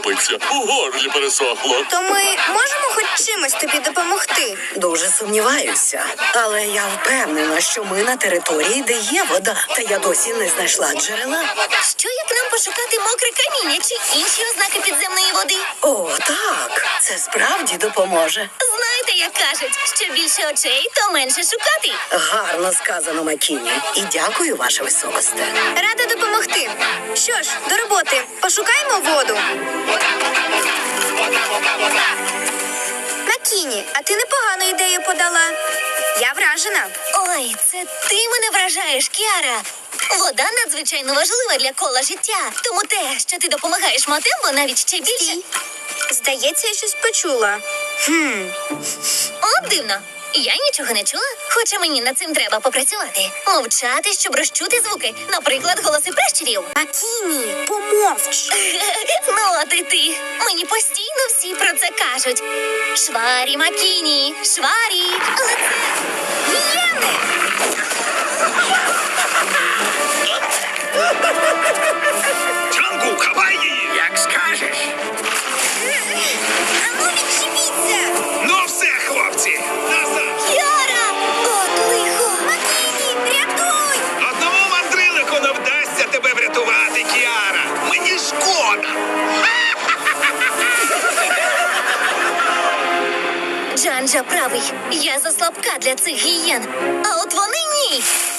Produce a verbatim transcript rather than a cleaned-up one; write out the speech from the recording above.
капиться. У горлі пересохло. То ми можемо хоч чимось тобі допомогти? Дуже сумніваюся, але я впевнена, що ми на території, де є вода. Та я досі не знайшла джерела. Що як нам пошукати мокре каміння чи інші ознаки підземної води? О, так, це справді допоможе. Знаєте, як кажуть, що більше очей, то менше шукати. Гарно сказано, Макіні. І дякую, ваше високосте. Рада допомогти. Що ж, до роботи. Пошукаємо воду. Макіні, а ти непогану ідею подала. Я вражена. Ой, це ти мене вражаєш, Кіара. Вода надзвичайно важлива для кола життя. Тому те, що ти допомагаєш Матембо, навіть ще більше. Стій. Здається, я щось почула. Хм. От дивно. Я нічого не чула, хоча мені над цим треба попрацювати. Мовчати, щоб розчути звуки. Наприклад, голоси пращурів. Макіні, помовч. Ну, от і ти. Мені постійно всі про це кажуть. Шварі Макіні, шварі. Але це гієни. Джангу, хапай її! Як скажеш. Ану, відчепіться. Ну все, хлопці, назад! Кіара! От лихо. Макіні, рятуй. Одному мандрилику не вдасться тебе врятувати, Кіара. Мені шкода. Джанджа правий. Я заслабка для цих гієн. А от вони ні.